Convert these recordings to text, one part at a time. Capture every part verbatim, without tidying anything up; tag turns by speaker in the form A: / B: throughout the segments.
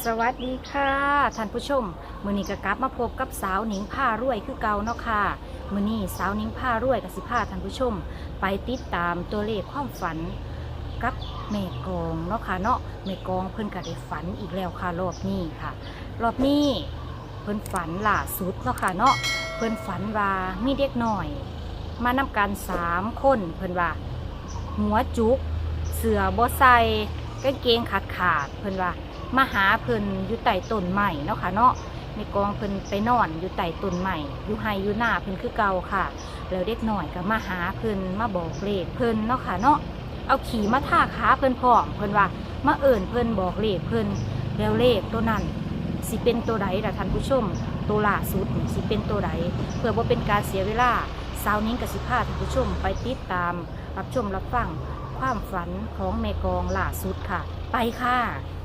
A: สวัสดีค่ะท่านผู้ชมมื้อนี้ก็กลับมาพบกับสาวหนิงผ้ารวยคือเก่าเนาะค่ะมื้อนี้สาวหนิงผ้ารวยกับสิพาท่านผู้ชม ไปติดตามตัวเลขความฝันกับแม่กองเนาะค่ะเนาะแม่กองเพิ่นก็ได้ฝันอีกแล้วค่ะรอบนี้ค่ะ รอบนี้เพิ่นฝันล่าสุดเนาะค่ะเนาะเพิ่นฝันว่ามีเด็กน้อย มานำกันสามคนเพิ่นว่า หัวจุกเสือบ่ใส่กางเกงขาดขาดเพิ่นว่ามาหาเพิ่นอยู่ใต้ต้นใหม่เนาะค่ะเนาะในกองเพิ่นไปนอนอยู่ใต้ต้นใหม่อยู่ไฮอยู่หน้าเพิ่นคือเก่าค่ะแล้วเด็กหน่อยก็มาหาเพิ่นมาบอกเลขเพิ่นเนาะค่ะเนาะเอาขี่มาท่าขาเพิ่นพร้อมเพิ่นว่ามาเอิ่นเพิ่นบอกเลขเพิ่นแล้วเลขตัวนั้นสิเป็นตัวใดล่ะท่านผู้ชมตัวล่าสุดนี่สิเป็นตัวใดเพื่อบ่เป็นการเสียเวลาสาวนิ้งกับสิพาท่านผู้ชมไปติดตามรับชมรับฟังความฝันของแม่กองล่าสุดค่ะไปค่ะ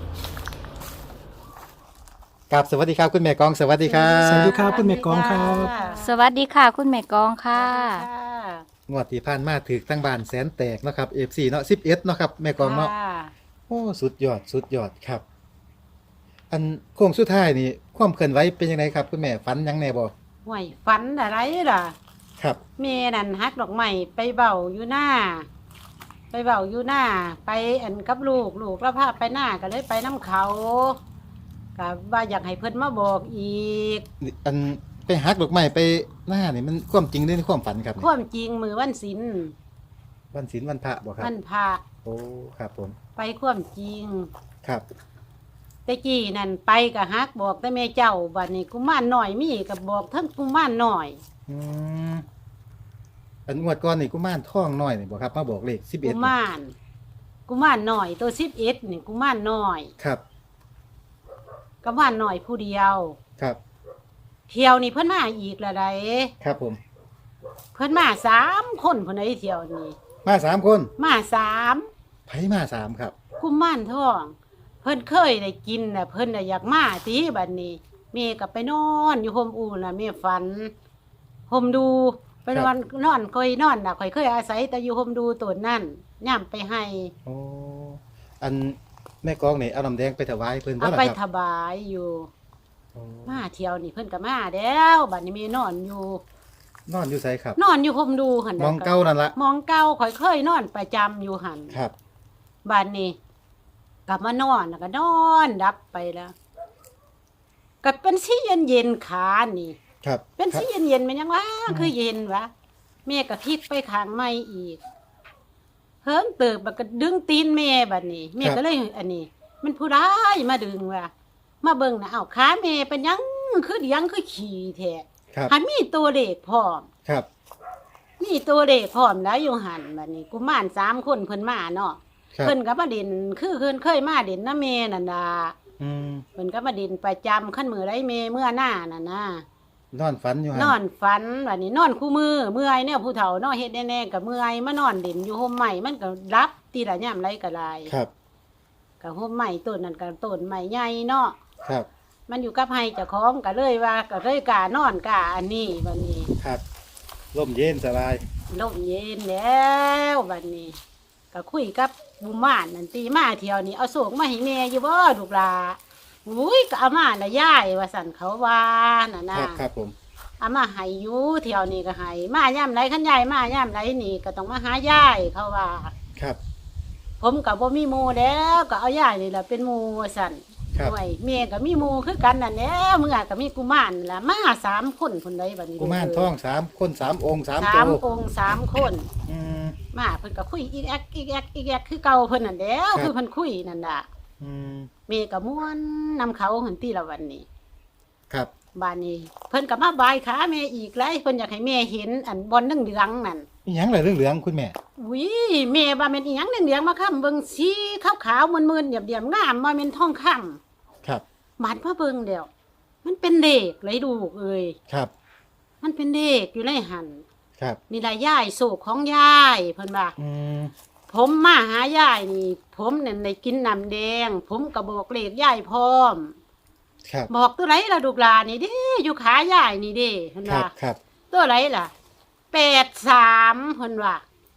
B: ครับสวัสดีครับคุณแม่กองสวัสดีครั
C: สวัสดี
B: บ
C: ครับคุณแม่กองครับ
A: สวัสดีค่ะคุณแม่กองค่ะ
B: งวดที่ผ่านมาถือตั้งบานแสนแตกเนาะครับ เอฟ ซี เนาะสิบเอ็ดเนาะครับแม่กองเนาะโอ้สุดยอดสุดยอดครับ อันโค้งสุดท้ายนี่ความเคลื่อนไหวเป็นยังไงครับคุณแม่ฝันยังแน่บ่
D: ห่วยฝันอะไรล่ะ
B: ครับ
D: เมนั่นฮักดอกไม้ไปเบาอยู่หน้า ไปเบาอยู่หน้า ไปอันกับลูกลูกแล้วพาไปหน้าก็เลยไปน้ำเขาก็ว่าอยากให้เพิ่นมาบอกอีก
B: อันไปฮักดอกไม้ไปหน้านี่มันความจริงหรือความฝันครับ
D: ความจริงมือวันศิล
B: วันศีลวันพระบ่ครับ
D: วันพระ
B: โอ้ครับผม
D: ไปความจริง
B: ครับ
D: แต่กี้นั่นไปก็ฮักบอกแต่แม่เจ้าบัดนี้กุมารหน่อยมีก็บอกทั้งกุมารหน่อย
B: อืมอันงวดก่อนนี่กุมารทองน้อยนี่บ่ครับมาบอกเลขสิบเอ็
D: กุ
B: ด
D: มารกุมารหน่อยตัวสิบเอ็ดนี่กุมารหน่อย
B: ครับ
D: กุมารหน่อยผู้เดียว
B: ครับ
D: เที่ยวนี่เพิ่นมาอีกละได
B: ครับผม
D: เพิ่นมาสามคนเพิ่นได้เที่ยวนี่
B: มาสามคน
D: มาสาม
B: ไผมาสามครับ
D: กุมารทอง เพิ่นเคยได้กินน่ะเพิ่นน่ะอยากมาติบัดนี้แม่ก็ไปนอนอยู่ห่มอู่น่ะแม่ฝันห่มดูไปนอนนอนค่อยนอนน่ะค่อยเคยอาศัยแต่อยู่ห่มดูตัวนั่นย่ำไปให้
B: โอ้อันแม่กองนี่เอาน้ำแดงไปถวายเพิ่นบ่
D: เอา
B: ล่ะ
D: ไป
B: ค
D: ถ
B: รับ
D: บายอยู่
B: โอ้
D: มาเที่ยวนี่เพิ่นก็มาแล้วบัดนี้แม่นอนอยู่
B: นอนอยู่ไสครับ
D: นอนอยู่ห่มดูหั่น
B: มองเก่านั่นละ
D: มองเก่าค่อยเคยนอนประจำอยู่หั่น
B: ครับ
D: บ้านนี้กลับมานอนแล้วก็นอนดับไปแล้วก็เป็นสีเย็นเย็นๆขานี่
B: ครับ
D: เป็นสีเย็นเย็นๆมันยังวะคือเย็นวะแม่ก็พลิกไปข้างไม่อีกเฮิงเติบมันก็ดึงตีนแม่บัดนี้แม่ก็เลยอันนี้ มันผู้ร้ายมาดึงว่ะมาเบิ่งนะเอ้าขาแม่เป็นหยังคือหยังคือขี่แท้
B: ครับ
D: หันมีตัวเลขพร้อม
B: ครับ
D: มีตัวเลขพร้อมแล้วอยู่หันบัดนี้กุมารสามคนเพิ่นมาเนาะ
B: ครับ
D: เพิ่นก็มาเด่นคือเพิ่นเคยมาเด่นน้าเมนั่นน่ะ
B: อืม
D: เพิ่นก็มาเด่นประจำขั้นมือไรเมเมื่อหน้านั่นนะ
B: นอนฝันอยู่หั่
D: นอนฝันวันนี้นอนคู่มือเมื่อยเนี่ยผู้เฒ่านอนเฮ็ดแน่ๆกับเมื่อยมานอนเด่นอยู่ห่มใหม่มันก็รับตีละย่ำไรก็ได้
B: ครับ
D: กับห่มใหม่ต้นนั่นกับต้นใหม่ใหญ่เนาะ
B: ครับ
D: มันอยู่กับไห้เจ้าของก็เลยว่าก็เลยกล้านอนกล้าอันนี้วันนี้
B: ครับร่มเย็นสบาย
D: ลมเย็นแล้ววันนี้ก็คุยกับบุมานนั่นตีมาเที่ยวนี้เอาโศกมาให้แม่อยู่บ่ลูกหลาอุ้ยก็เอามาละยายว่าสั่นเขาว่าน่ะ
B: ค
D: นะ
B: รับครับผม
D: เอามาให้อยู่เที่ยวนี้ก็ให้มาย่ำไรขันยายมาย่ำไรนี่ก็ต้องมาหายายเขาว่า
B: ครับ
D: ผมกับบ่มีหมูแล้วก็เอายายนี่แหละเป็นหมูว่าสั่น
B: ครับ
D: ด้วยแม่ก็มีหมูคือกันนั่นแหละเมื่อก็มีกุมารนั่นล่ะมาสามคนคนใดบัดนี้
B: กุมารทองสามคนสามองค์สาม
D: สา
B: ตั
D: ม
B: ว
D: องค์สามคน
B: อืม
D: มาเพิ่นก็คุยอีแอกอีแอกอีแอกคือเก่าเพิ่นนั่นแหล้ว
B: ครับ
D: คือเพิ่นคุยนั่นน่ะ
B: อืม
D: แม่ก็ม่วนนำเขาหันตีละวันนี้
B: ครับ
D: บ้านนี้ เพิ่นก็มาบายขาแม่อีกแล้วเพิ่นอยากให้แม่เห็นอันบอลเหลืองๆนั่น
B: อีหยังล่ะเรื่องเหลืองคุณแม่
D: อุ้ยแม่ว่าแม่นอีหยังเหลืองๆมาค้ำเบิ่งสีขาวๆมึนๆเดียบๆงามว่าแม่นทองคำ
B: ครับ
D: บาดมาเบิ่งเดียวมันเป็นเลขเลยดูกเอ้ย
B: ครับ
D: มันเป็นเลขอยู่ในหัน
B: ครับ
D: นี่ล่ะยายโศกของยายเพิ่นว่า
B: อืม
D: ผมมาหายายนี่ ผมนั่นได้กินน้ำแดง ผมก็บอกเลขยายพร้อม
B: ครับ
D: บอกตัวไรล่ะลูกหลานนี่เด้อยู่ขายายนี่เด้เพิ่น
B: ครั
D: ว่า
B: บครับ
D: ตัวไรล่ะแปดสามเพิ่นว่า
B: แ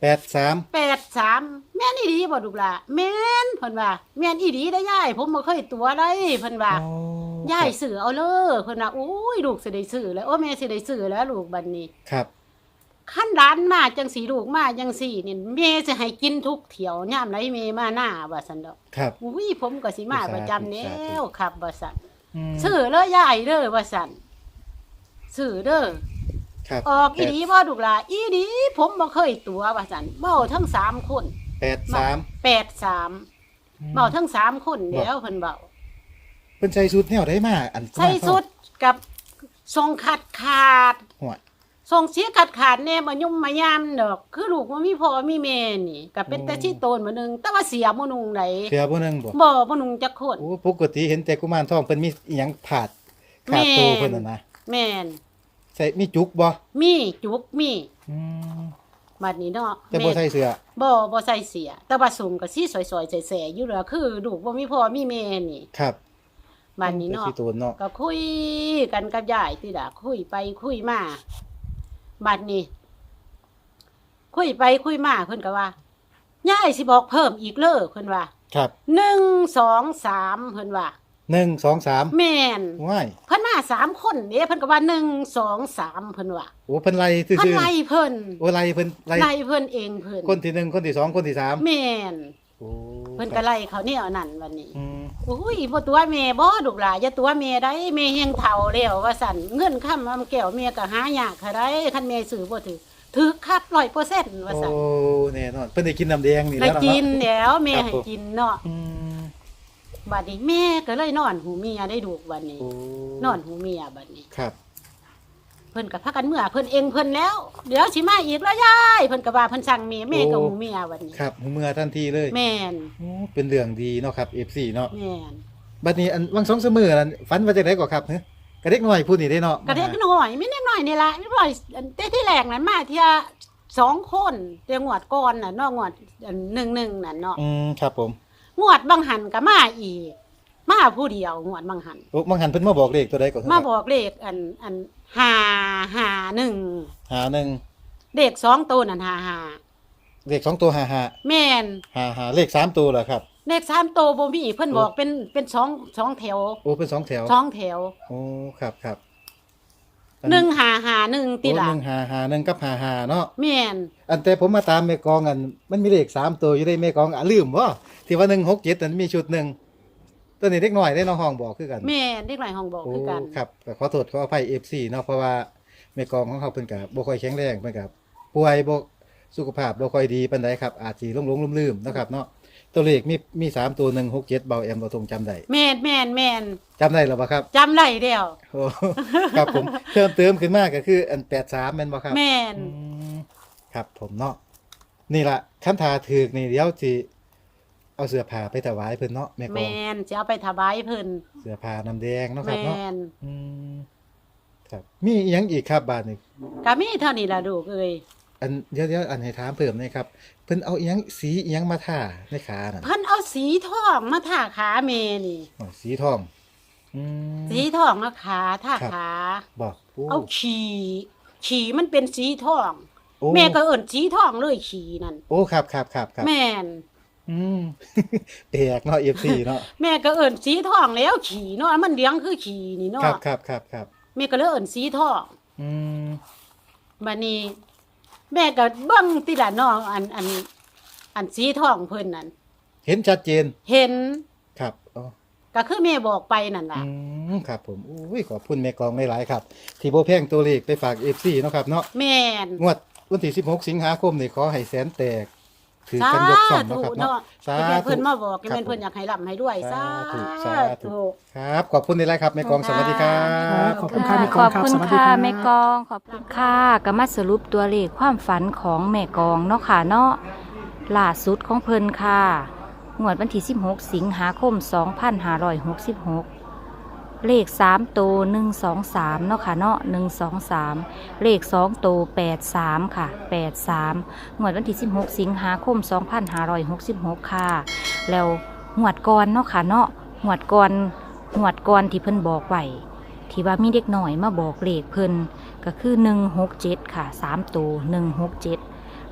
B: แปดสาม
D: แปดสามแม่นอีดีบ่ลูกล่ะแม่นเพิ่นว่าแม่นอีดีได้ยายผมบ่เคยตัวได้เพิ่นว่า
B: โอ้
D: ยายซื้อเอาเลยเพิ่นว่าโอ้ยลูกสิได้ซื้อแล้วโอ้แม่สิได้ซื้อแล้วลูกบัดนี้
B: ครับ
D: คันร้านมาจังสีลูกมาจังสี่นี่แม่สิให้กินทุกเที่ยวยามไหนแม่มาหน้าว่าซั่นดอก
B: ครับ
D: อุ้ยผมก็สิมาประจำแล้วครับว่าซั่น
B: ม
D: ซื้อเลยยายเด้อว่าซั่นซื้อเด้อ
B: ครับ
D: ออกอีดีบ่ลูกล่ะอีดีผมบ่เคยตัวว่าซั่นเว้าทั้งสามคน
B: แปดสาม
D: แปดสามเว้าทั้งสามคนแล้วเพิ่นเว้า
B: เพิ่นใส่สุดแนวได้มาอัน
D: ใส่สุดกับทรงขาดขาด
B: หัว
D: ทรงเสียขาดขาดแน่บ่ยุ่มมายามดอกคือลูกบ่มีพ่อมีแม่นี่ก็เป็นแต่ที่โตนมื้อนึงแต่ว่าเสียบ่นุงได
B: เสียบ่หนึงบ่
D: บ่บ่นุงจักคน
B: โอ้ปกติเห็นแต่กุมารทองเพิ่นมีอีหยังผาดขาดโตเพิ่นน่ะนะ
D: แม่น
B: ใส่มีจุกบ่
D: มีจุกมี
B: อืม
D: บัดนี้เนาะ
B: แต่บ่ใส่เสื้อ
D: บ่บ่ใส่เสีย แต่ว่าสูงก็สิสวยๆแซ่ๆอยู่แล้วคือลูกบ่มีพ่อมีแม่นี่
B: ครับ
D: บัดนี้เนาะ
B: แต่ที่โตนเนาะ
D: ก็คุยกันกับยายติล่ะคุยไปคุยมาบัดนี้ คุยไปคุยมาเพิ่นก็ว่ายายสิบอกเพิ่มอีกเด้อเพิ่นว่า
B: ครับ
D: หนึ่ง สอง สามเพิ่นว่า
B: หนึ่ง สอง สาม
D: แม่น
B: ว้าย
D: เพิ่นมาสามคนเด้เพิ่นก็ว่าหนึ่ง สอง สามเพิ่นว่า
B: โอ้เพิ่นไล่ซื่อ
D: เพิ่นไล่เพิ่น
B: ๆโอ้ไล่เพิ่นไล่
D: ไล่เพิ่นเองเพิ่น
B: คนที่หนึ่งคนที่สองคนที่สาม
D: แม่น
B: โอ้
D: เพิ่นก็ไล่เขาแนวนั้นวันนี้
B: อืม
D: อุ้ยบ่ตัวแม่บ่ลูกหลานอย่าตัวแม่ได้แม่เฮงเฒ่าแล้วว่าซั่นเงินค้ำอำแก้วแม่ก็หายากค่ะได้คันแม่ซื้อบ่ถือถือคัก ร้อยเปอร์เซ็นต์ ว่า
B: โอ้
D: ซั่น
B: แน่นอนเพิ่นได้กินน้ำแดงนี่
D: ได้
B: แล้วเนาะ
D: กินแล้วแม่ให้กินเนาะ
B: อืม
D: บัดนี้แม่ก็เลยนอนหูเมียได้ดูกบัดนี้
B: โอ้
D: นอนหูเมียบัดนี้
B: ครับ
D: เพิ่นก็พากันเมื่อเพิ่นเองเพิ่นแล้ว เดี๋ยวสิมาอีกแล้วยายเพิ่นก็ว่าเพิ่นสั่งแม่แม่ก็หูเมียบัดนี้
B: ครับหูเมื่อทันทีเลย
D: แม่น
B: โอ้เป็นเรื่องดีเนาะครับ เอฟ ซี เนาะ
D: แม่น
B: บัดนี้อันวังสองเสมอนั้นฝันว่าจังได๋ก็ครับฮะกระเด็กน้อยพูดนี่ได้เนาะ
D: กระเด็กน้อยไม่เด็กน้อยนี่ล่ะเรียบร้อยอันแต่ที่แรกนั้นมาเที่ยสองคนแต่งวดก่อนน่ะเนาะงวดอันหนึ่งหนึ่งน่ะเนาะ
B: อืมครับผม
D: งวดบางหันก็มาอีก มาผู้เดียวงวดบางหัน
B: โอ้บางหันเพิ่นมาบอกเลขตัวใดก็
D: มาบอกเลขอันอันห้าห้าหนึ่ง
B: หาหนึ่ง
D: เลขสองตัวนั่นห้าห้า
B: เลขสองตัวห้าห้า
D: แม่น
B: หาหาเลขสามตัวเหรอครับ
D: เลขสามตัวบ่มีเพิ่นบอกเป็นเป็นสองสองแถว
B: โอ้เป็นสองแถว
D: สองแถว
B: โอ้ครับครับ
D: หนึ่งห้าห้าหนึ่งติ
B: โอ้
D: ล่ะ
B: หนึ่งหาหาหนึ่งกับหาหาเนาะ
D: แม่น
B: อันแต่ผมมาตามแม่กองอันมันมีเลขสามตัวอยู่ได้แม่กองอ่ะลืมบ่ที่ว่าหนึ่งหกเจ็ดนั้นมีชุดหนึ่งตัวนี้เด็กน้อยได้น้องห้องบอกคือกัน
D: แม่นเด็กหลายห้องบอก
B: โอ้
D: คือกัน
B: ครับก็ขอโทษขออภัย เอฟ ซี เนาะเพราะว่าแม่กองของเขาเพิ่นก็บ่ค่อยแข็งแรงเพิ่นก็ป่วยบ่สุขภาพบ่ค่อยดีปานใดครับอาจสิหลงๆลืมๆเนาะครับเนาะตัวเลขมีมีสามตัวหนึ่ง หก เจ็ดเบาแอมบ่ทรงจำได้
D: แม่นแม่นแม่น
B: จำได้หรือบ่ครับ
D: จำได้แล้ว
B: โอ้ ครับผมเพิ่มเติมขึ้นมาก็คืออันแปดสามแม่นบ่ครับ
D: แม่น
B: อืมครับผมเนาะนี่ล่ะคันทาถูกนี่เดี๋ยวสิเอาเสื้อผ้าไปถวายเพิ่นเนาะแม่กอง
D: แม่นจะเอาไปถวายเพิ่น
B: เสื้อผ้าน้ำแดงเนาะครับ
D: แม่
B: เนาะ
D: น
B: อืมครับมีอีหยังอีกครับบาดนี้
D: ก็มีเท่านี้ล่ะลูกเอ้ย
B: อันเดี๋ยวเดี๋ยวอันให้ถามเพิ่มหน่อยครับเพิ่นเอาอีหยังสีอีหยังมาทาในขาน่ะ
D: เพิ่นเอาสีทองมาทาขาแม่นี่
B: อ๋อสีทองอืม
D: สีทองมาขาทา
B: ครับ
D: ขา
B: บอกโอ้
D: เอาขี่ขี่มันเป็นสีทอง
B: โอ้
D: แม่ก็เอิ้นสีทองเลยขี่นั่น
B: โอ้ครับครับครับครับ
D: แม่น
B: อืม แปลกเนาะ เอฟ ซี เนาะ
D: แม่ก็เอิ้นสีทองแล้วขี่เนาะมันเลี้ยงคือขี่นี่เนาะ
B: ครับครับครับครับ
D: แม่ก็เลยเอิ้นสีทอง
B: อืม
D: บัดนี้ แม่ก็เบิ่งติล่ะเนาะอันอันอันสีทองเพิ่นนั่น
B: เห็นชัดเจน
D: เห็น
B: ครับอ๋อ
D: ก็คือแม่บอกไปนั่นล่ะ
B: อืมครับผมอุ้ยขอบคุณแม่กองหลายๆครับ ที่บ่แพงตัวเลขไปฝาก เอฟ ซี เนาะครับเนาะ
D: แม่น
B: งวดวันที่สิบหกสิงหาคมนี่ขอให้แสนแตกถือกันยกช่องเนาะครับเนาะสา
D: ที่แม่
B: ธุ
D: เพิ่นมาบอก
B: ครั
D: ที่
B: บ
D: แม่เพิ่นอยากให้ร่ำให้ด้วยสา
B: สาธุสาธุ
D: ธุ
B: ครับ ขอบคุณหลายๆครับแม่กองสวัสดีครั
C: ครับ บขอบคุณค่ะแม่ก
A: ข
C: อง
A: อบ
C: ครับ
A: คุณ
C: สวัสดี
A: ค่ะ
C: ครับ
A: แม่กองขอบคุณค่ะก็มาสรุปตัวเลขความฝันของแม่กองเนาะค่ะเนาะล่าสุดของเพิ่นค่ะงวดวันที่สิบหกสิงหาคมสองพันห้าร้อยหกสิบหกเลขสามตัวหนึ่งสองสามเนาะค่ะเนาะหนึ่งสองสามเลขสองตัวแปดสามค่ะแปดสามงวดวันที่สิบหกสิงหาคมสองพันห้าร้อยหกสิบหกค่ะแล้วงวดก่อนเนาะค่ะเนาะงวดก่อนงวดก่อนที่เพิ่นบอกไว้ที่ว่ามีเด็กหน่อยมาบอกเลขเพิ่นก็คือหนึ่งหกเจ็ดค่ะสามตัวหนึ่งหกเจ็ด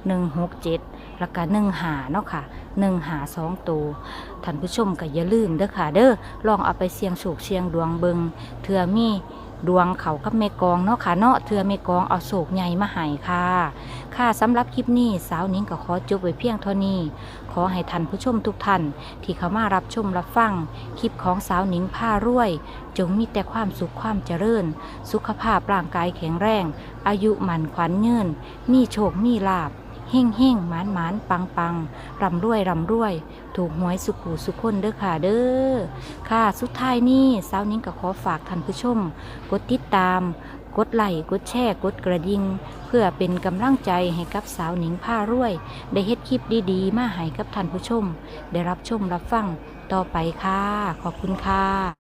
A: หนึ่งหกเจ็ดแล้วก็หนึ่งหาเนาะค่ะหนึ่งหาสองตัวท่านผู้ชมก็อย่าลืมเด้อค่ะเด้อลองเอาไปเสี่ยงโชคเสี่ยงดวงเบิงเทื่อมีดวงเขากับแม่กองเนาะค่ะเนาะเทื่อแม่กองเอาโศกใหญ่มาให้ค่ะค่ะสำหรับคลิปนี้สาวนิ้งก็ขอจบไว้เพียงเท่านี้ขอให้ท่านผู้ชมทุกท่านที่เข้ามารับชมรับฟังคลิปของสาวนิ้งผ้ารวยจงมีแต่ความสุขความเจริญสุขภาพร่างกายแข็งแรงอายุหมันขวัญยืนมีโชคมีลาภเฮ่งเฮ่งหมานหมานปังปังร่ำรวยร่ำรวยถูกหวยสุขหูสุขคนเด้อค่ะเด้อค่ะสุดท้ายนี้สาวนิ้งก็ขอฝากท่านผู้ชมกดติดตามกดไลค์กดแชร์กดกระดิ่งเพื่อเป็นกำลังใจให้กับสาวนิ้งผ้ารวยได้เฮ็ดคลิปดีๆมาให้กับท่านผู้ชมได้รับชมรับฟังต่อไปค่ะขอบคุณค่ะ